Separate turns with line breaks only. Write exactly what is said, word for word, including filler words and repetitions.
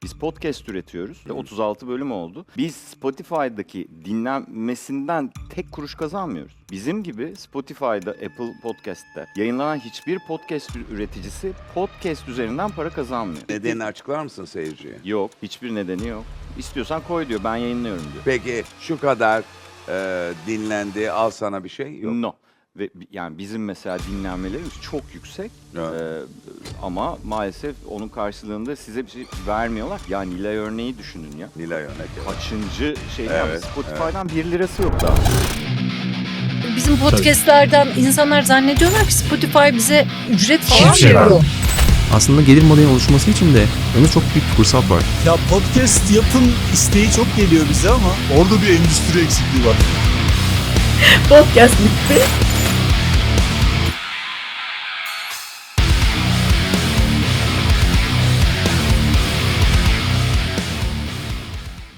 Biz podcast üretiyoruz ve otuz altı bölüm oldu. Biz Spotify'daki dinlenmesinden tek kuruş kazanmıyoruz. Bizim gibi Spotify'da, Apple Podcast'te yayınlanan hiçbir podcast üreticisi podcast üzerinden para kazanmıyor.
Nedenini açıklar mısın seyirciye?
Yok, hiçbir nedeni yok. İstiyorsan koy diyor, ben yayınlıyorum diyor.
Peki şu kadar e, dinlendi, al sana bir şey yok.
No. Ve bi- yani bizim mesela dinlenmelerimiz çok yüksek.
Evet.
Ee, ama maalesef onun karşılığında size bir şey vermiyorlar. Ya Nilay örneği düşünün ya.
Nilay örnek. evet.
Kaçıncı şey
Evet,
yani Spotify'dan bir lirası yok daha.
Bizim podcastlerden insanlar zannediyorlar ki Spotify bize ücret falan
Hiçbir şey
veriyor.
vermiyor.
Aslında gelir modelinin oluşması için de önünde çok büyük bir fırsat var.
Ya podcast yapın isteği çok geliyor bize ama orada bir endüstri eksikliği var.
Podcast bitti.